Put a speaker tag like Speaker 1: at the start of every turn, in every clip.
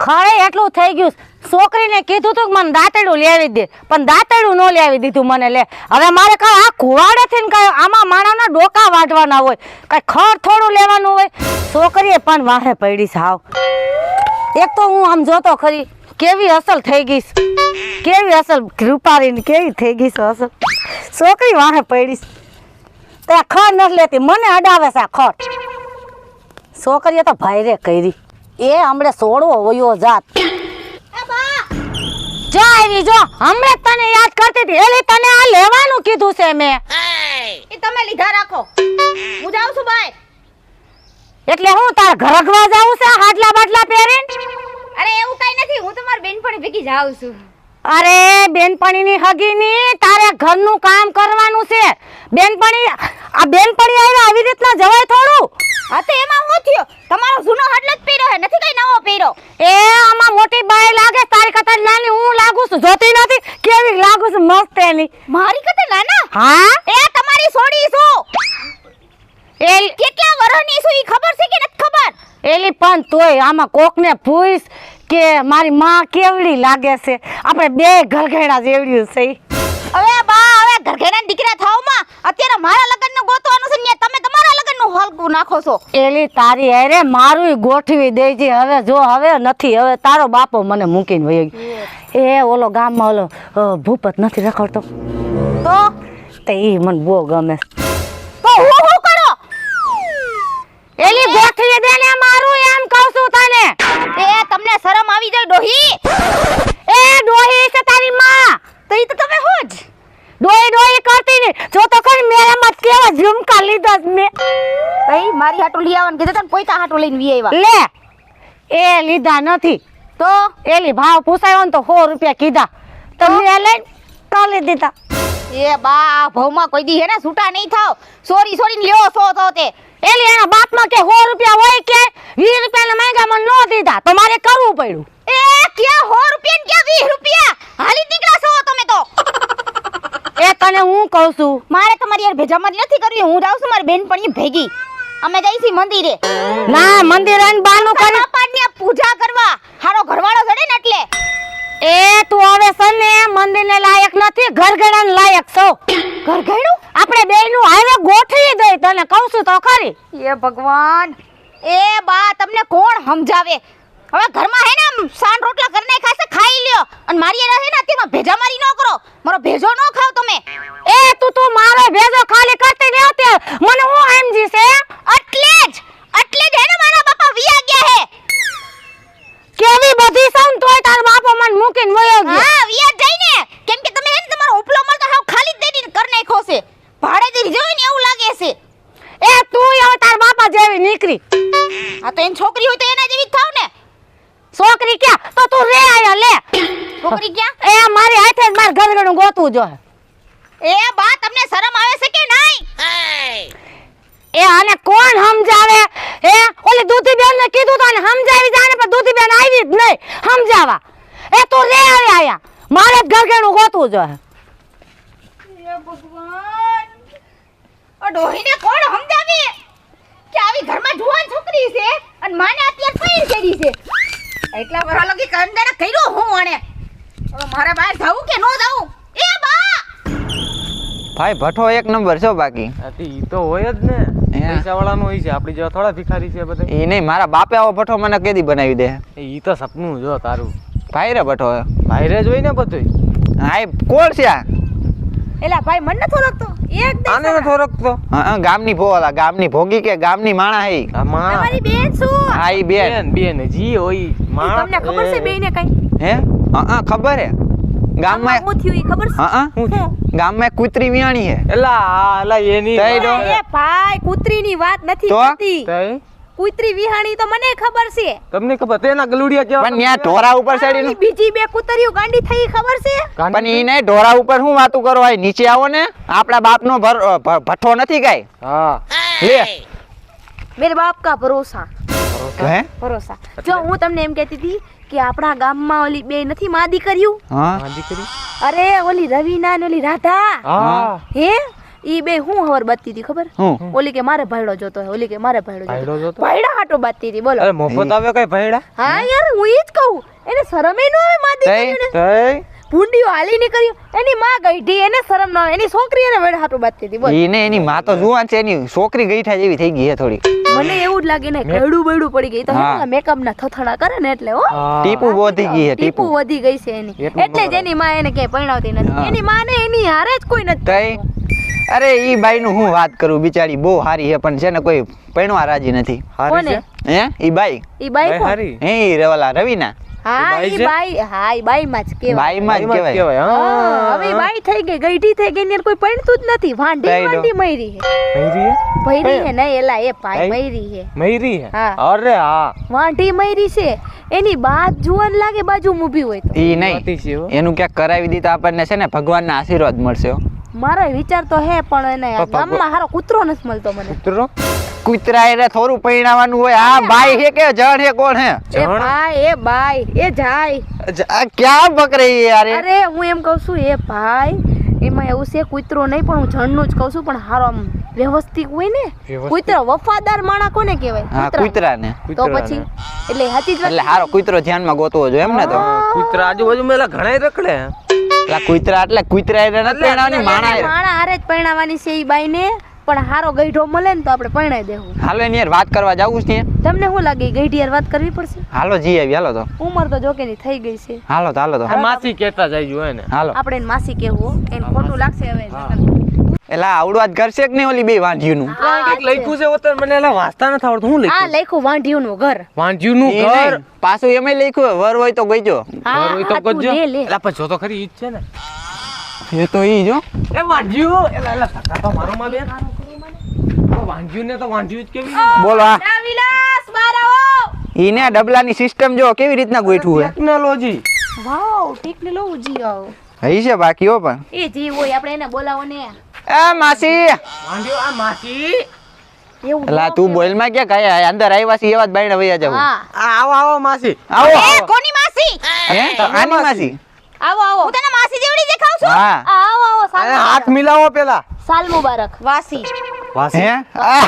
Speaker 1: ખરે એટલું થઈ ગયું. છોકરીને કીધું તું કે મને દાંતેડું લેવી દે, પણ દાંતેડું ન લેવી દીધું મને. લે હવે મારે કઈ આ કુવાડેથી ને કઈ આમાં માણાના ડોકા વાઢવાના હોય, કઈ ખર થોડું લેવાનું હોય. છોકરીએ પણ વાહે પડી સાવ. એક તો હું આમ જોતો ખરી કેવી અસલ થઈ ગઈશ, કેવી અસલ રૂપારીને કેવી થઈ ગઈશ અસલ. છોકરી વાહે પડી તે ખર નથી લેતી, મને અડાવે છે આ ખર. છોકરીએ તો ભાઈરે કરી એ હમણે સોડવો વયો જાત. જો આવી જો હમણે તને યાદ કરતી હતી, એલી તને આ લેવાનું કીધું છે મેં.
Speaker 2: એ તમે લીધા રાખો, હું જાઉં છું ભાઈ.
Speaker 1: એટલે હું તાર ઘરગવા જાઉં છે હાડલા બાટલા પહેરીને?
Speaker 2: અરે એવું કઈ નથી, હું તમારી બેનપણી ભેગી જાઉં છું.
Speaker 1: અરે બેનપણીની હગીની તારે ઘરનું કામ કરવાનું છે. બેનપણી આ બેનપણી આવી રીતના જવાય થોડું?
Speaker 2: હા તો એમાં હું થયો, તમારો જૂનો હાડલો જ પહેર્યો હે, નથી કઈ નવો પહેર્યો.
Speaker 1: એ આમાં મોટી બાઈ લાગે, તારી કરતા નાની હું લાગુ છું. જોતી નથી કેવી લાગુ છું મસ્ત એની.
Speaker 2: મારી કરતા નાના?
Speaker 1: હા
Speaker 2: એ તમારી સોડી છું.
Speaker 1: એ
Speaker 2: કેટલા વર્ષની છું ઈ ખબર છે કે નથી ખબર?
Speaker 1: એલી પણ તોય આમાં કોકને પૂછ કે મારી માં કેવડી લાગે છે. આપણે બે ઘરઘેડા જેવડી છે.
Speaker 2: હવે બા હવે ઘરઘેડા દીકરા થાવમાં અત્યારે મારા લગ્નનું ગોતવાનું છે ને તમે તમારા લગ્નનું હલકું નાખો છો.
Speaker 1: એલી તારી અરે મારું ગોઠવી દેજે હવે. જો હવે નથી, હવે તારો બાપો મને મૂકીને વયો ગયો. એ ઓલો ગામમાં ઓલો ભૂપત નથી રખડતો તો તે ઈ મને બહુ ગમે.
Speaker 2: તો હું કરો
Speaker 1: એલી ગોઠવી દે ને મારું, એમ કહું છું તને.
Speaker 2: એ તમને શરમ આવી જાય ડોહી?
Speaker 1: એ ડોહી છે તારી માં,
Speaker 2: તો ઈ તો તમે હું જ
Speaker 1: ડોહી ડોહી કરતી ને. જો તો ખરી મેરામાં કેવા ઝુમકા લીધા મેં.
Speaker 2: ભાઈ મારી હાટુ લઈ આવવાનું કીધું તને પોઈતા હાટુ લઈને વી આવ્યા.
Speaker 1: લે એ લીધા નથી તો એલી ભાવ પૂછાયો ને તો 100 રૂપિયા કીધા તો મેં લઈને કાલી દીધા.
Speaker 2: એ બા ભાવમાં કોઈ દી હે ને છૂટા નહીં થાવ. સોરી સોરી લ્યો સો તે
Speaker 1: એલી એના બાપમાં કે 100 રૂપિયા હોય કે 20 રૂપિયાના માંગ્યા મને નો દીધા તો મારે કરવું પડ્યું.
Speaker 2: એ ક્યાં 100 રૂપિયા ને ક્યાં 20 રૂપિયા? હાલી દીકરા છો તમે તો.
Speaker 1: એ તને હું કહું છું,
Speaker 2: મારે તમારી યાર ભેજામારી નથી કરવી. હું જાઉં છું મારી બેનપણી ભેગી. અમે જઈશી મંદિરે.
Speaker 1: ના મંદિર આઈને બાનું કરી
Speaker 2: બાપાની પૂજા કરવા. હારો ઘરવાળો જડે ને એટલે.
Speaker 1: એ તું હવે સને મંદિરને લાયક નથી, ઘરઘડાને લાયક છો.
Speaker 2: ઘરઘડું
Speaker 1: આપણે બેયનું હારે ગોઠવી દઈ, તને કહું છું તો ખરી.
Speaker 2: એ ભગવાન એ બા તમને કોણ સમજાવે? હવે ઘરમાં હે ને આમ સાન રોટલા કરીને ખાશે ખાઈ લ્યો અને મારી એના હે ને અત્યારમાં ભેજામારી ન કરો. મારો ભેજો ન ખાવ તમે.
Speaker 1: એ તું મારો ભેજો ખાલી કરતી ન હતી મને હું સમજી છે.
Speaker 2: એટલે જ હે ને મારા બાપા વિયા ગયા હે.
Speaker 1: કેવી બધી સમ તોય તાર બાપો મને મૂકીને વયો ગયો.
Speaker 2: હા વિયા જાય ને કેમ કે તમે હે ને તમારો ઉપલો મળતો હાવ ખાલી જ દઈ કર નાખ્યો છે. ભાડે દી જોઈ ને એવું લાગે છે.
Speaker 1: એ તું હવે તાર બાપા જેવી નીકળી.
Speaker 2: આ તો એની છોકરી હોય તો એના જેવી જ થાવ ને.
Speaker 1: છોકરી ક્યાં તો તું રે આયા લે.
Speaker 2: છોકરી ક્યાં?
Speaker 1: એ મારી હાથે જ માર ઘરગણું ગોતવું જો.
Speaker 2: એ બા તમને શરમ આવે છે કે નહીં?
Speaker 1: એ આને કોણ સમજાવે? હે ઓલી દૂધીબેન ને કીધું તો આને સમજાવી જાને પણ દૂધીબેન આવી જ નહીં સમજાવા. એ તું રે આયા મારે જ ઘરગણું ગોતવું જો.
Speaker 2: એ ભગવાન આ ડોહીને કોણ સમજાવે કે આવી ઘરમાં જુવાન છોકરી છે અને માને અત્યારે ફેર કરી છે. એટલા વરા લગી કંદરા કર્યો હું આને. હવે મારે બહાર જાવું કે નો જાવું? એ બા
Speaker 3: ભાઈ ભઠ્ઠો એક નંબર છે બાકી.
Speaker 4: ઈ તો હોય જ ને, પૈસા વાળાનો હોય છે. આપણી જેવા થોડા ભિખારી છે બધા.
Speaker 3: એ નહીં, મારા બાપે આવો ભઠ્ઠો મને કેદી બનાવી દે.
Speaker 4: ઈ તો સપનું જો તારું.
Speaker 3: ભાઈ રે ભઠ્ઠો
Speaker 4: ભાઈરે જોઈ ને બધું.
Speaker 3: હા એ કોણ છે આ?
Speaker 2: એલા ભાઈ મન નતો રાખતો એકદમ.
Speaker 4: આને ન થોરકતો.
Speaker 3: હા ગામની ભોલા, ગામની ભોગી કે ગામની માણા હે.
Speaker 4: આ માં
Speaker 2: તમારી બેન શું?
Speaker 3: હા ઈ બેન.
Speaker 4: બેન જી હોય માં.
Speaker 2: તમને ખબર છે બેને કઈ?
Speaker 3: હે હા ખબર હે. ગામમાં
Speaker 2: હું થયું ઈ ખબર છે?
Speaker 3: હા ગામમાં કૂતરી વિયાણી હે.
Speaker 4: એલા એની
Speaker 3: તઈ દો.
Speaker 2: એ ભાઈ કૂતરીની વાત નથી
Speaker 3: તો?
Speaker 2: કરતી.
Speaker 4: તઈ
Speaker 2: કૂતરી વિહાણી તો મને ખબર છે.
Speaker 4: તમને ખબર તેના ગલુડિયા કેવા?
Speaker 3: પણ ન્યા ઢોરા ઉપર ચડીને
Speaker 2: બીજી બે કૂતરીઓ ગાંડી થઈ ખબર છે?
Speaker 3: પણ ઈ નહીં ઢોરા ઉપર શું વાતું કરો? આ નીચે આવો ને, આપણા બાપનો ભઠ્ઠો નથી કાઈ.
Speaker 4: હા
Speaker 3: લે
Speaker 2: મેરે બાપ કા ભરોસા.
Speaker 3: હે
Speaker 2: ભરોસા. જો હું તમને એમ કહેતી હતી કે આપણા ગામમાં ઓલી બે નથી માદી કર્યું?
Speaker 3: હા
Speaker 4: દીકરી.
Speaker 2: અરે ઓલી રવીના ને ઓલી રાધા
Speaker 4: હા
Speaker 2: હે ઈ બે હું હવર બાતતી હતી ખબર
Speaker 3: હું
Speaker 2: ઓલી કે મારે ભાઈડો જોતો હે ઓલી કે મારે ભાઈડો
Speaker 4: ભાઈડો
Speaker 2: જોતો
Speaker 4: જોતો?
Speaker 2: ભાઈડા હાટો બાતતી હતી બોલો
Speaker 4: અરે મફત આવે કઈ ભયડા
Speaker 2: હા યાર હું ઈ જ કહું એને શરમ ય ન આવે માં દીકરીને
Speaker 4: તઈ
Speaker 2: ભૂંડીઓ હાલી નીકળ્યો એની માં ગઈઢી એને શરમ ન આવે એની છોકરી એને વેડ હાટો બાતતી હતી બોલ
Speaker 3: ઈ ને એની માં તો જુવાન છે, એની છોકરી ગઈઠા જેવી થઈ ગઈ છે થોડી.
Speaker 2: મને એવું જ લાગે ને ગળું બળું પડી ગઈ તો
Speaker 3: હા.
Speaker 2: મેકઅપ ના થથડા કરે ને એટલે હો
Speaker 3: ટીપુ વધી ગઈ છે,
Speaker 2: ટીપુ
Speaker 3: ટીપુ.
Speaker 2: વધી ગઈ છે એની
Speaker 4: એટલું
Speaker 2: એટલે જ એની માં એને ક્યાંય પરણાવતી
Speaker 3: હા.
Speaker 2: નથી એની માં ને એની હારે જ કોઈ નથી
Speaker 3: તઈ અરે ઈ બાઈ નું હું વાત કરું, બિચારી બહુ હારી છે પણ છે ને કોઈ પૈણવા રાજી નથી.
Speaker 4: હારી
Speaker 2: કોને?
Speaker 4: છે
Speaker 3: હે ઈ બાઈ
Speaker 2: ઈ બાઈ
Speaker 4: ભાઈ
Speaker 2: કોણ?
Speaker 4: હારી
Speaker 3: હે ઈ રવાલા રવિના
Speaker 2: હા
Speaker 4: બાઈ
Speaker 2: ઈ
Speaker 4: છે?
Speaker 2: બાઈ હા ઈ બાઈ માં જ કહેવાય
Speaker 3: બાઈમાં જ
Speaker 4: એમાં જ
Speaker 3: કહેવાય.
Speaker 4: કહેવાય
Speaker 2: હા,
Speaker 4: હા
Speaker 2: હવે ઈ બાઈ થઈ ગઈ ગઈઢી થઈ ગઈ ને એને કોઈ પરણતું જ નથી વાંઢી
Speaker 3: તઈ નો.
Speaker 2: વાંઢી મયરી હે
Speaker 4: મયરી હે?
Speaker 2: ભયરી હે નહીં એલા એ ભાઈ
Speaker 4: તઈ?
Speaker 2: મયરી હે
Speaker 4: મયરી હે
Speaker 2: હા.
Speaker 4: અરે હા
Speaker 2: વાંઢી મયરી છે એની બાત જુવાન લાગે બાજુ ઊભી હોય તો
Speaker 3: ઈ નહીં,
Speaker 4: વાતી છે હો.
Speaker 3: એનું ક્યાંક કરાવી દી તો આપણને છે ને ભગવાનના આશીર્વાદ મળશે હો.
Speaker 2: મારો વિચાર તો હે પણ એને આ
Speaker 4: પણ
Speaker 2: ગામમાં હારો કૂતરો નથી મળતો મને
Speaker 4: કૂતરો
Speaker 3: કૂતરા એને થોડું પૈણાવાનું હોય. આ બાઈ છે કે જણ છે કોણ હે?
Speaker 2: એ
Speaker 4: જણ?
Speaker 2: ભાઈ એ બાઈ એ જાય
Speaker 3: આ ક્યાં બકરી યાર એ?
Speaker 2: અરે હું એમ કહું છું એ ભાઈ એમાં એવું છે કૂતરો નહીં પણ હું જણનું જ કહું છું પણ હારો આમ વ્યવસ્થિત હોય ને
Speaker 4: વ્યવસ્થિત.
Speaker 2: કૂતરો વફાદાર માણા કોને કહેવાય
Speaker 3: હા
Speaker 2: કૂતરા.
Speaker 3: કૂતરાને.
Speaker 2: તો પછી એટલે સાચી જ વાત
Speaker 3: એટલે હારો કૂતરો ધ્યાનમાં ગોતવો જોઈએ એમ ને તો.
Speaker 4: કૂતરા આજુબાજુ મેલા ઘણા રખડે
Speaker 3: એટલે કૂતરા એટલે કૂતરા એને નથી પૈણાવાની, માણા એ.
Speaker 2: માણા હારે જ પરણાવવાની છે ઈ બાઈને પણ હારો ગઈઢો મળે ને તો આપણે પરણાઈ દેવું
Speaker 3: હાલો એની યાર વાત કરવા જાવું છે.
Speaker 2: તમને શું લાગે ઈ ગઈઢી યાર વાત કરવી પડશે
Speaker 3: હાલો જી આવી, હાલો તો.
Speaker 2: ઉંમર તો જોકે ની થઈ ગઈ છે
Speaker 3: હાલો તો હાલો તો.
Speaker 4: માસી કહેતા જાય હોય ને
Speaker 3: હાલો.
Speaker 2: આપણે એને માસી કેવું એને ખોટું લાગશે હવે
Speaker 3: એટલે આ આવડું આજ કરશે કે નહીં ઓલી બે વાંઢીઓનું?
Speaker 4: કંઈક લખ્યું છે હોતર મને એલા વાંચતા નથી આવડતું હું
Speaker 2: આ
Speaker 4: લખ્યું
Speaker 2: લખ્યું વાંઢિયું નું ઘર
Speaker 4: વાંજ્યું નું
Speaker 3: ઈ
Speaker 4: ઘર
Speaker 3: નહીં, પાછું એમાંય લખ્યું વર હોય તો ગઈજો.
Speaker 2: હા
Speaker 4: ઘર હોય તો
Speaker 2: હા, તું
Speaker 4: કરજો
Speaker 2: લે લે
Speaker 4: એલા પણ જો તો ખરી ઈ જ છે ને
Speaker 3: એ તો ઈ જો.
Speaker 4: એ વાંજ્યું એલા એલા સકા તો મારો માં બેન તો વાંજ્યું ને તો વાંજ્યું જ કેવી
Speaker 3: બોલો આ
Speaker 2: વિલાસ બાર આવો
Speaker 3: ઈ ને ડબલાની સિસ્ટમ જો કેવી રીતના ગોઠવું
Speaker 4: ટેકનોલોજી
Speaker 2: વાવ ટેકનોલોજી આવો
Speaker 3: હે હઈ છે બાકી હો પણ.
Speaker 2: એ જી હોય આપણે એને બોલાવો ને
Speaker 3: એ માસી
Speaker 4: વાંજ્યું આ માસી
Speaker 2: એવું
Speaker 3: એલા તું બોલ માં ક્યાં ગયા અંદર આવ્યા છે એવા જ બાયણે વયા જાવ.
Speaker 2: હા
Speaker 4: આ આવો આવો માસી
Speaker 3: આવો
Speaker 2: એ કોની માસી
Speaker 3: હે આની માસી.
Speaker 2: આવો આવો હું તને માસી જેવડી દેખાવ છું
Speaker 3: હા
Speaker 2: આવો આવો
Speaker 4: અરે
Speaker 2: સાલ
Speaker 4: હાથ મિલાવો પેલા
Speaker 2: સાલ મુબારક વાસી
Speaker 4: વાસી
Speaker 3: હે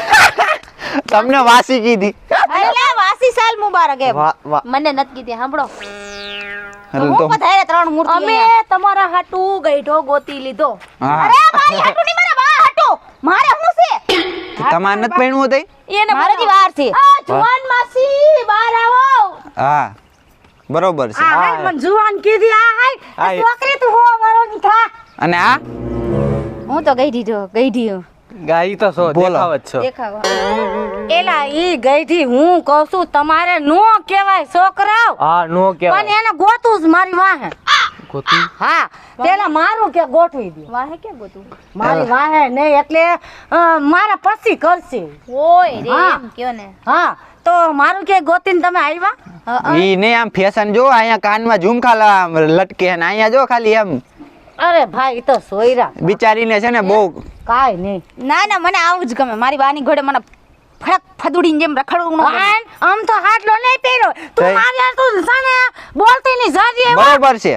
Speaker 3: તમને વાસી કીધી.
Speaker 2: એટલે વાસી સાલ મુબારક એમ
Speaker 4: વાહ વાહ
Speaker 2: મને નથી કીધી સાંભળો
Speaker 3: હાલ તો
Speaker 2: પધારે ત્રણ મૂર્તિ અમે તમારા હાટુ ગઈઢો ગોતી લીધો
Speaker 3: હા
Speaker 2: મારી હાટુ ની મારા બા હાટુ મારે શું છે
Speaker 3: તમારે નથી પૈણવું તઈ?
Speaker 2: એને મારી વાર છે આ જુવાન માસી બહાર આવો
Speaker 3: હા બરોબર છે.
Speaker 1: આ હાય મન જુવાન કીધી આ હાય
Speaker 4: હાય.
Speaker 1: છોકરી તું હો મારો ની થા.
Speaker 3: અને આ
Speaker 2: હું તો ગઈઢી
Speaker 4: ગાઈ તો સો
Speaker 3: બોલો.
Speaker 4: દેખાવ જ છો
Speaker 2: દેખાવ
Speaker 1: એલા ઈ ગઈથી હું કહું છું તમારે નો કહેવાય છોકરાઓ
Speaker 4: હા નો
Speaker 1: પણ
Speaker 4: કેવાય
Speaker 1: એને ગોતું જ મારી વાહે.
Speaker 4: ગોતી
Speaker 1: હા પેલા મારું કે ગોઠવી દે
Speaker 2: વાહે કે ગોતું
Speaker 1: મારી વાહે નહીં એટલે મારા પછી કરશે.
Speaker 2: ઓય રે
Speaker 1: હા.
Speaker 2: એમ કયો ને
Speaker 1: હા તો મારું કે ગોતીને તમે આવ્યા?
Speaker 3: ઈ ને આમ ફેશન જો અહીંયા કાનમાં ઝુમખા લટકે ને અહીંયા જો ખાલી એમ
Speaker 1: અરે ભાઈ ઈ તો સોયરા
Speaker 3: બિચારીને છે ને બહુ
Speaker 1: કાઈ નહીં.
Speaker 2: ના ના મને આવું જ ગમે મારી બાની ઘોડે મને ફડક ફદુડીને જેમ રખડવું ન ગમે.
Speaker 1: આમ તો હાટલો નહીં પહેર્યો તું
Speaker 3: તઈ.
Speaker 1: મારી હારે તું સાને બોલતી નહીં જાજી એવા.
Speaker 3: બરોબર છે.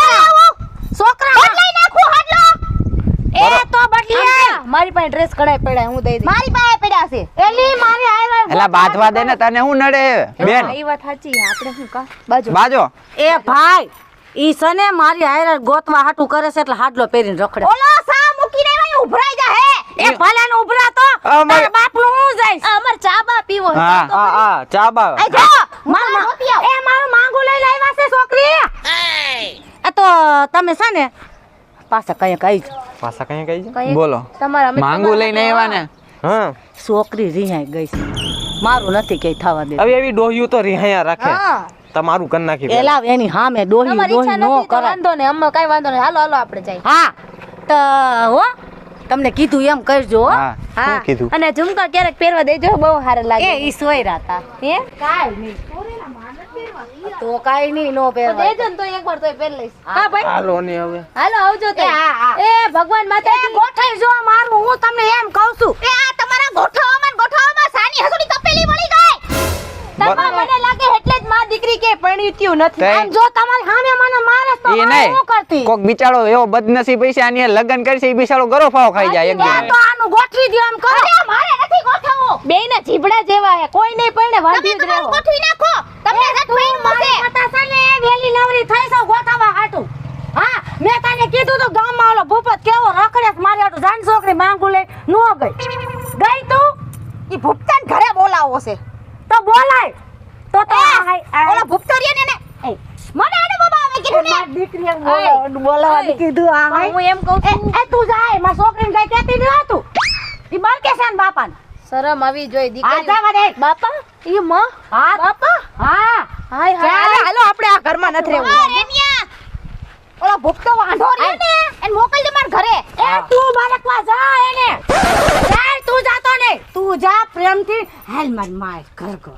Speaker 1: છોકરા બદલાઈ નાખું હાટલો એ તો બદલી આય.
Speaker 2: મારી પાસે ડ્રેસ કઢાઈ પડાય હું દઈ દઈ
Speaker 1: મારી પાસે પડ્યા છે એલી મારી હારે
Speaker 3: એલા બાંધવા દે ને તને શું નડે બેન?
Speaker 2: એ વાત સાચી આપણે શું કા બાજુ
Speaker 3: બાજો
Speaker 1: એ ભાઈ ઈ સને મારી હારે ગોતવા હાટું કરે છે એટલે હાડલો પહેરીને રખડે.
Speaker 2: ઓલો સા મૂકીને આવ્યો ઉભરાઈ જા હે
Speaker 1: એ ભલે ને ઉભરા તો તારા બાપનું હું જઈશ.
Speaker 2: અમાર ચા બા પીવો છે.
Speaker 3: હા.
Speaker 2: તો
Speaker 4: આ ચા બા
Speaker 1: એ જો એ મારું માંગુ લઈને આવ્યા છે છોકરી. આ તો તમે છે ને પાછા કઈ કઈ
Speaker 4: પાછા કઈ કઈ છે
Speaker 2: કઈ
Speaker 3: બોલો
Speaker 2: તમારા અમે
Speaker 3: માંગુ લઈને આવ્યા ને
Speaker 4: હા
Speaker 1: છોકરી રિહાઈ ગઈ છે મારું નથી કઈ થવા દે.
Speaker 4: હવે એવી ડોહ્યું તો રિહાયા રાખે
Speaker 2: હા
Speaker 4: તમારું કરી નાખી દે.
Speaker 1: એલા એની સામે ડોહી
Speaker 2: તમારી ઈચ્છા
Speaker 1: ડોહી નો
Speaker 2: નથી તો
Speaker 1: કરાય.
Speaker 2: વાંધો નહીં અમે કઈ વાંધો નહીં હાલો હાલો આપણે જઈએ
Speaker 1: હા તો હો તમને કીધું એમ કરજો હો.
Speaker 3: હા શું કીધું?
Speaker 2: અને ઝુમકા ક્યારેક પહેરવા દેજો બહુ સારા લાગે
Speaker 1: એ ઈ સોયરા હતા
Speaker 2: હે
Speaker 1: કાઈ નહીં તો કાઈ નહીં નો
Speaker 2: તો
Speaker 1: પહેરવાય.
Speaker 2: દેજો ને તો એકવાર તોય પહેર લઈશ હા ભાઈ
Speaker 4: હાલો ને હવે
Speaker 2: હાલો આવજો તે
Speaker 1: એ હા, હા.
Speaker 2: એ ભગવાન માતાજી
Speaker 1: ગોઠાઈ જો મારું હું તમને એમ કહું છું.
Speaker 2: એ આ તમારા ગોઠાવામાં સાની હસુડી તપેલી મળી ગઈ તમારે મને લાગે એટલે જ માં દીકરી કે પરણ્યું નથી
Speaker 3: તઈ.
Speaker 1: આમ જો તમારી સામે મને મારે તો તો
Speaker 3: એ
Speaker 1: મારે શું કરતી
Speaker 3: નહીં કોક બિચારો એવો બદનસીબ પૈસા આની હારે લગ્ન કરશે એ બિચારો ગરો ફાવ ખાઈ જાય એક
Speaker 1: આ તો આનું ગોઠવી દ્યો એમ કરો
Speaker 2: અરે મારે નથી ગોઠવવું.
Speaker 5: બેયના જીભડા જેવા હે કોઈ નહીં પરણે
Speaker 2: તમે
Speaker 5: વાંધી જ
Speaker 2: તમારું
Speaker 5: રહેવો.
Speaker 2: ગોઠવી નાખો. તમને નથી પૈણું
Speaker 1: મારી
Speaker 2: છે.
Speaker 1: માતા છે ને વેલી નવરી થઈ છો ગોઠવવા હાટું હા મેં તને કીધું તો ગામમાં ઓલો ભૂપત કેવો રખડે છે મારી હાટું જાન છોકરી માંગુ લઈ નો ગઈ તું
Speaker 2: ઈ ભૂપતાન ઘરે બોલાવો છે.
Speaker 1: તો બોલાય તો
Speaker 2: ઓલો ભૂપતો રહ્યો ને એને મને આને બાબા આવે કીધું ને.
Speaker 1: દીકરીએ
Speaker 5: બોલાવાનું
Speaker 1: કીધું આ
Speaker 5: હું એમ કહું છું
Speaker 1: એ તું જાય મારી છોકરીને કઈ કહેતી ન હતું ઈ બળકે છે ને બાપાને
Speaker 5: શરમ આવી જોઈએ
Speaker 1: આ
Speaker 5: દીકરી
Speaker 1: જવા દે
Speaker 5: બાપા ઈ માં
Speaker 1: હા
Speaker 5: બાપા
Speaker 1: હા
Speaker 5: હાય હાય
Speaker 1: ચાલ.
Speaker 5: હાલો આપણે આ ઘરમાં નથી રહેવું.
Speaker 2: આ રેમિયા ઓલો ભૂપતો વાંઢો રહ્યો ને એને મોકલજે માર ઘરે.
Speaker 1: એ તું બાળકવા જા એને ચાલ તું જાતો ને તું જા પ્રેમથી હાલ માર માર ઘર ઘર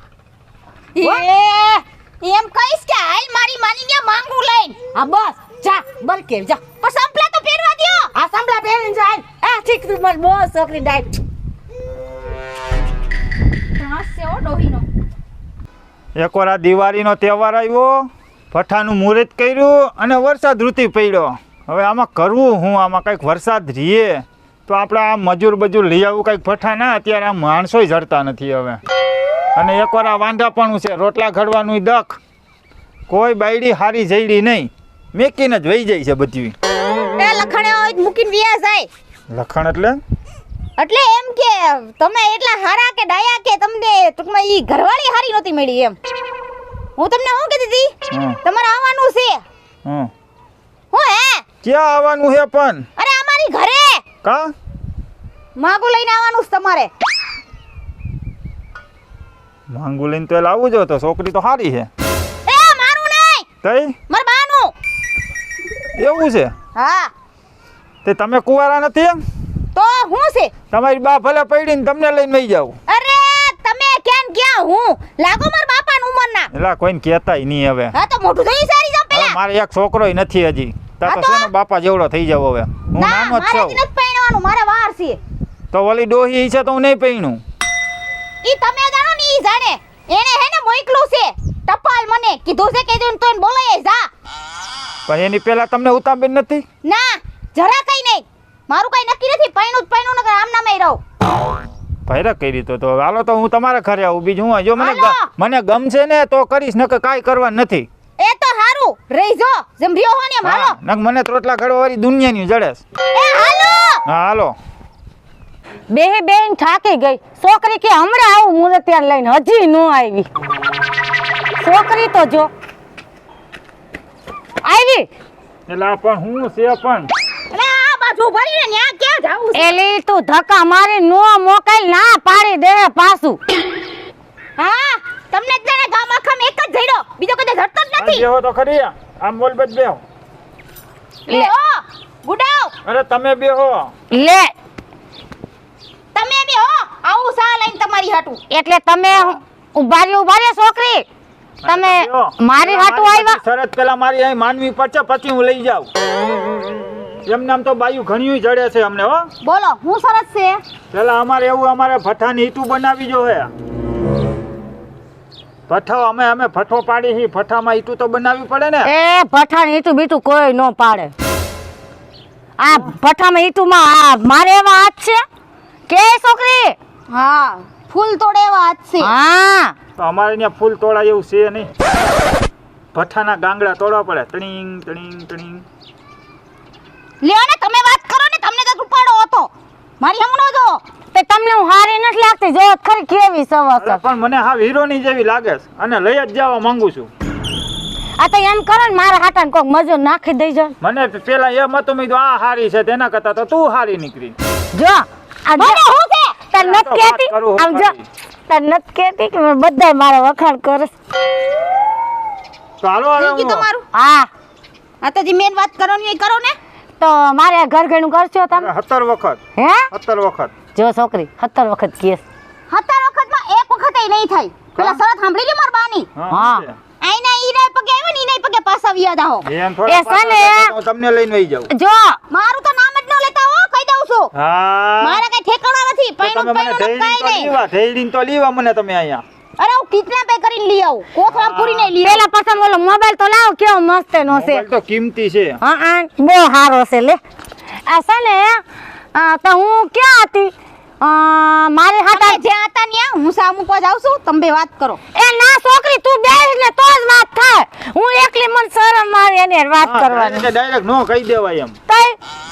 Speaker 2: એમ કહીશ કે હાલ મારી માનીને માંગુ લઈને.
Speaker 1: હા બસ જા બળકે જા
Speaker 2: પણ સંપલા તો પહેરવા દ્યો.
Speaker 1: આ સંભળા પહેરીને જાય આ ઠીક તું મારી બહુ છોકરી ડાય
Speaker 2: ત્રાસ છે ઓ ડોહીનો.
Speaker 6: એકવાર આ દિવાળીનો તહેવાર આવ્યો, ભઠ્ઠાનું મુહૂર્ત કર્યું અને વરસાદ ઋતુ પડ્યો. હવે આમાં કરવું હું, આમાં કંઈક વરસાદ રીએ તો આપણે આ મજૂર બજૂર લઈ આવવું કંઈક ભઠ્ઠા ના, અત્યારે આ માણસોય જડતા નથી હવે. અને એકવાર આ વાંધાપણું છે, રોટલા ઘડવાનું દખ, કોઈ બાયડી હારી જઈડી નહીં, મેકીને જ વહી જાય છે બધી.
Speaker 2: એ લખણે હોય જ મૂકીને વ્યા જાય.
Speaker 6: લખણ એટલે
Speaker 2: એટલે એમ કે તમે એટલા હારા કે ડાયા કે તમને ટૂંકમાં ઈ ઘરવાળી હારી નહોતી મળી એમ. હું તમને શું કહેતી હતી?
Speaker 6: હમ.
Speaker 2: તમારે આવવાનું છે.
Speaker 6: હં
Speaker 2: હું હે?
Speaker 6: ક્યાં આવવાનું છે પણ?
Speaker 2: અરે અમારી ઘરે
Speaker 6: કા
Speaker 2: માગું લઈને આવવાનું છે તમારે.
Speaker 6: માંગુ લઈને તો લાવવું જો, તો છોકરી તો સારી છે.
Speaker 2: એ મારું નહીં,
Speaker 6: તઈ
Speaker 2: મારા બાનું.
Speaker 6: એવું છે?
Speaker 2: હા
Speaker 6: તે તમે કુંવારા નથી એમ?
Speaker 2: તો હું છે?
Speaker 6: તમારી બા ભલે પડીને તમને લઈને વહી જાવ.
Speaker 2: અરે તમે ક્યાં હું લાગો મારા બાપાની ઉંમરના.
Speaker 6: એલા કોઈને કહેતાય નહીં હવે.
Speaker 2: હા તો મોઢું ધોઈ સારી જાવ
Speaker 6: હવે
Speaker 2: પેલા.
Speaker 6: મારે એક છોકરોય નથી હજી. તા
Speaker 2: હા
Speaker 6: તો
Speaker 2: તો?
Speaker 6: છે ને બાપા જેવડો થઈ જાવ હવે. હું
Speaker 2: ના
Speaker 6: નાનો જ
Speaker 2: મારે
Speaker 6: છું.
Speaker 2: નથી પહેણવાનું, મારે વાર છે.
Speaker 6: તો ઓલી ડોહી છે તો હું નહીં પૈણું.
Speaker 2: ઈ તમે જાણો ને ઈ જાણે. એને હે ને મોકલું છે ટપાલ, મને કીધું છે કે તું તોય બોલાય જા.
Speaker 6: પણ એની પહેલા તમને ઉતાંબેન નથી?
Speaker 2: ના જરા કઈ નહીં, મારું કઈ નક્કી નથી. પૈણું નકર આમ નામે રહું.
Speaker 6: ભૈરક કરી તો હાલો તો હું તમારા ઘરે આવું. બીજું હું જો
Speaker 2: હાલો.
Speaker 6: મને ગમશે ને તો કરીશ, નકર કાંઈ કરવાનું નથી.
Speaker 2: એ તો હારું રહી જો જેમ રહ્યો હો ને એમ હાલો.
Speaker 6: હા, નકર મને રોટલા ઘડવાવાળી દુનિયાની જડેસ.
Speaker 2: એ હાલો.
Speaker 6: હા હાલો.
Speaker 1: બેહી બેન થાકી ગઈ છોકરી કે હમણાં આવું મુરતિયાર લઈને હજી નો આવી છોકરી તો જો આવી
Speaker 6: એટલે આ પણ હું છે પણ
Speaker 2: અરે આ બાજુ ભરીને ન્યા ક્યાં જાવું છે?
Speaker 1: એલી તું ધક્કા મારી નો મોકલ ના પાડી દે પાછું
Speaker 2: હા તમને જ જાણે ગામ આખામાં એક જ જઈડો, બીજો કદે જડતો જ નથી.
Speaker 6: બેહો તો ખરી, આમ બોલ બચ બેહો.
Speaker 1: લે.
Speaker 2: ઓ ગુડાવ
Speaker 6: અરે તમે બેહો.
Speaker 1: લે
Speaker 2: તમે બી હો આવું સા લઈને તમારી હાટું.
Speaker 1: એટલે તમે ઉભા રે છોકરી તમે
Speaker 6: બેહો.
Speaker 1: મારી હાટું
Speaker 6: મારી
Speaker 1: આવ્યા
Speaker 6: શરત પેલા મારી અહીં માનવી પડશે, પછી હું લઈ જાઉં. એમને આમ તો બાયું ઘણિયું જડે છે અમને હો.
Speaker 2: બોલો હું સરસ છે.
Speaker 6: પેલા અમારે ભઠ્ઠાની ઈટું બનાવી જો હે. ભઠ્ઠો અમે ભઠ્ઠો પાડી હી, ભઠ્ઠામાં ઈટું તો બનાવવી પડે ને.
Speaker 1: એ ભઠ્ઠાને ઈટું બીટું કોઈ નો પાડે આ ભઠ્ઠામાં ઈટુમાં આ મારે એવા હાથ છે કે છોકરી
Speaker 2: હા ફૂલ તોડે એવા હાથ છે.
Speaker 1: હા
Speaker 6: તો અમારે ત્યાં ફૂલ તોડાય એવું છે નહીં. ભઠ્ઠાના ગાંગડા તોડવા પડે, તણીંગ તણીંગ તણીંગ.
Speaker 2: લ્યો ને તમે વાત કરો ને, તમને તો ઉપાડો હતો મારી હમણો જો.
Speaker 1: તે તમને હું હારી નથી લાગતી જો ખરી કેવી સવસ
Speaker 6: અરે પણ મને હા હીરોની જેવી લાગે છે અને લઈ જ જવા માંગુ છું.
Speaker 1: આ તો એમ કરો ને મારા હાટાને કોક મજૂર નાખી દઈ જો
Speaker 6: મને પેલા એમ હતું મેં કીધું આ હારી છે, તેના કરતા તો તું હારી નીકળી.
Speaker 1: જો આ
Speaker 2: મને હું છે
Speaker 1: તને
Speaker 6: આ તો
Speaker 1: નથી
Speaker 6: વાત
Speaker 1: કહેતી
Speaker 6: કરું
Speaker 1: આમ જો
Speaker 6: ખરી.
Speaker 1: તને નથી કહેતી કે મેં બધાય મારા વખાણ કરે
Speaker 6: તો હાલો
Speaker 2: થઈ ગયું
Speaker 6: હવે
Speaker 2: તમારું.
Speaker 1: હા
Speaker 2: આ તો જે મેન વાત કરવાની હોય એ કરો ને.
Speaker 1: તો મારે આ ઘર ઘરનું કરશો તમે
Speaker 6: 17 વખત
Speaker 1: હે
Speaker 6: 17 વખત.
Speaker 1: જો છોકરી 17 વખત કેસ
Speaker 2: 17 વખતમાં એક વખત એ નહીં થાય. પેલા શરત સાંભળી લી માર બાની.
Speaker 1: હા.
Speaker 6: શું છે?
Speaker 2: આઈના ઈના પગે આવ્યો ને ઈના પગે પાછા વ્યા દાહો.
Speaker 6: એમ થોડા
Speaker 1: એ સને.
Speaker 6: પાછા તો તમને લઈને વહી જાઉં.
Speaker 1: જો
Speaker 2: મારું તો નામ જ ન લેતા હો, કહી દઉં છું.
Speaker 6: હા
Speaker 2: મારા કઈ ઠેકાણા નથી.
Speaker 6: તો તમે
Speaker 2: પૈણું
Speaker 6: મને
Speaker 2: પૈણું કાઈ નહીં.
Speaker 6: ઢેડીને તો લીવા મને તમે અહીંયા.
Speaker 2: અરે હું કિડનેપ કરીને લઈ આવું કોથળામાં પૂરીને લઈ આવું.
Speaker 1: પેલા પસંદ ઓલો મોબાઈલ તો લાવો કેવો મસ્ત નો છે
Speaker 6: મોબાઈલ તો કિંમતી છે.
Speaker 1: હા બહુ સારો છે લે આ છે ને તો હું ક્યાં હતી મારે
Speaker 2: તમે
Speaker 1: હાટા
Speaker 2: જ્યાં હતા ત્યાં હું સા મૂકવા જાઉં છું તમે બે વાત કરો.
Speaker 1: એ ના છોકરી તું બેસ ને તો જ વાત થાય હું એકલી મન શરમ આવે એની હારે વાત કરવાની
Speaker 6: ડાયરેક્ટ નો કહી દેવાય એમ.
Speaker 1: તઈ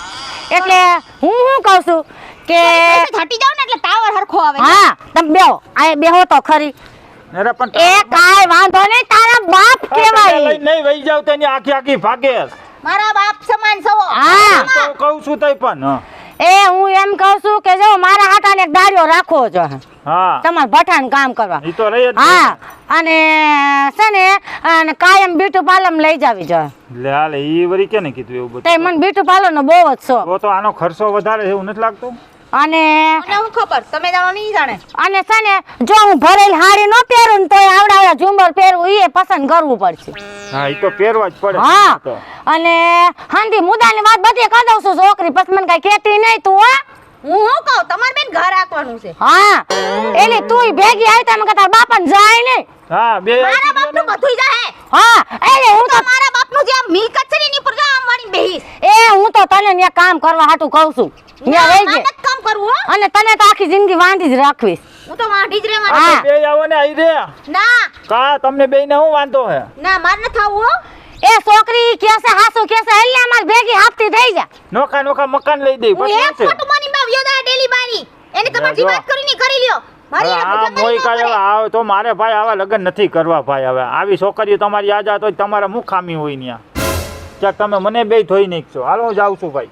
Speaker 1: એટલે હું કહું છું કે
Speaker 2: હટી જાવ ને એટલે ટાવર હરખો આવે.
Speaker 1: હા તમે બેહો આ બેહો તો ખરી
Speaker 6: અરે પણ
Speaker 1: એ કાંઈ વાંધો નહીં તારા બાપ કેવાય
Speaker 6: નહીં વહી જાવ તેની આખી ભાગે.
Speaker 2: મારા બાપ સમાન છો.
Speaker 1: હા
Speaker 6: તો કહું છું તઈ પણ હા.
Speaker 1: એ હું એમ કહું છું કે જો મારા હાટાને એક દાડિયો રાખવો જો
Speaker 6: હા
Speaker 1: તમારે ભઠાણ કામ કરવા
Speaker 6: ઈ તો રહી જ
Speaker 1: હા અને છે ને અને કાયમ બ્યુટી પાર્લર લઈ જાવી જોઈએ
Speaker 6: લે હાલે ઈ વરી કેને કીધું એવું બધું?
Speaker 1: તે મને બ્યુટી પાર્લર નો બહુ જ શોખ
Speaker 6: તો આનો ખર્ચો વધારે છે એવું નથી લાગતું?
Speaker 1: અને
Speaker 2: મને હું ખબર તમે જાણો નહીં જાણે.
Speaker 1: અને છે ને જો હું ભરેલ હાડી ન પહેરું ને તો આવડા ઝુંબર પહેરવું એ પસંદ કરવું પડશે
Speaker 6: હા ઈ તો પહેરવા જ પડે.
Speaker 1: હા
Speaker 6: તો.
Speaker 1: અને હાંડી મુદ્દાની વાત બધી કહી દઉં છું છોકરી પછી મને કઈ કહેતી નહીં તું હા
Speaker 2: હું શું કહું તમારે બેન ઘર રાખવાનું છે.
Speaker 1: હા એલી તું ભેગી આવી તમે કે તાર બાપાને જાય નહીં
Speaker 6: હા બે
Speaker 2: મારા બાપનું બધુંય જાહે.
Speaker 1: હા એટલે હું તો
Speaker 2: મારા બાપનું જે આ મિલકત છે ને એની પર આમ વાળીને બેહીશ.
Speaker 1: એ હું તો તને ત્યાં કામ કરવા હાટું કહું છું ત્યાં રહી
Speaker 2: મારે
Speaker 1: જાય
Speaker 2: નથી કામ કરવું હો.
Speaker 1: અને તને તો આખી જિંદગી વાંધી જ રાખવીશ
Speaker 2: હું તો વાંઢી જ રહેવાની.
Speaker 1: હા.
Speaker 6: બે આવો ને આઈ રે.
Speaker 2: ના
Speaker 6: કા તમને બેયને હું વાંધો હે?
Speaker 2: ના મારે નથી આવવું હો.
Speaker 1: એ છોકરી કેસે હાસુ કેસે એટલે અમાર ભેગી હાપતી થઈ જા
Speaker 6: નોખા મકાન લઈ દઈ
Speaker 2: હું
Speaker 6: પછી
Speaker 2: એક
Speaker 6: શું છે?
Speaker 2: ફોટો મારી માં વ્યો દા ડેલી બારી. એને તમારી
Speaker 6: જો.
Speaker 2: વાત કરીને કરી લ્યો. મારી
Speaker 6: હવે
Speaker 2: એને
Speaker 6: આ
Speaker 2: ભજવવાની
Speaker 6: મોઈ
Speaker 2: ન
Speaker 6: કાંઈ
Speaker 2: પડે.
Speaker 6: હવે આવે તો મારે ભાઈ આવા લગ્ન નથી કરવા ભાઈ હવે આવી છોકરીઓ તમારી યાદ આવે તો તમારા મુખ ખામી હોય ન્યા ક્યાંક તમે મને બે ધોઈ નાખશો. હાલો હું જાઉં છું ભાઈ.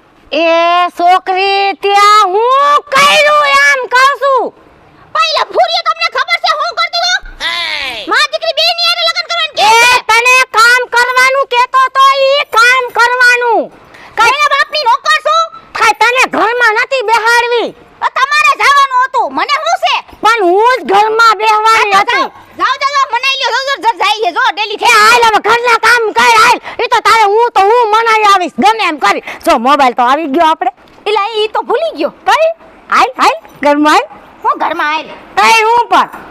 Speaker 1: એ છોકરી ત્યાં હું કર્યું એમ કહું છું
Speaker 2: પહેલા ફૂરીએ તમને ખબર છે હું કરતી હો. માં દીકરી બે ની હારે લગ્ન કરવાનું કે
Speaker 1: એ તને કામ કરવાનું કેતો તો ઈ કામ કરવાનું
Speaker 2: કયા બાપની નોકર છું.
Speaker 1: કાંઈ તને ઘરમાં નથી બેહાડવી
Speaker 2: તમારે જવાનું હતું મને શું છે.
Speaker 1: પણ હું જ ઘરમાં બેહવાની હતી
Speaker 2: જાઓ જાઓ મનાઈ લ્યો જર જાય જો ડેલી
Speaker 1: એ હાલ હવે ઘરના કામ કર હાલ ઈ તો તારે હું મનાઈ આવીશ ગમે એમ કરી જો મોબાઈલ તો આવી ગયો આપણે
Speaker 2: એટલે ઈ તો ભૂલી ગયો.
Speaker 1: કઈ હાલ ઘરમાં હાલ
Speaker 2: હું ઘરમાં આવેલી.
Speaker 1: તઈ હું પણ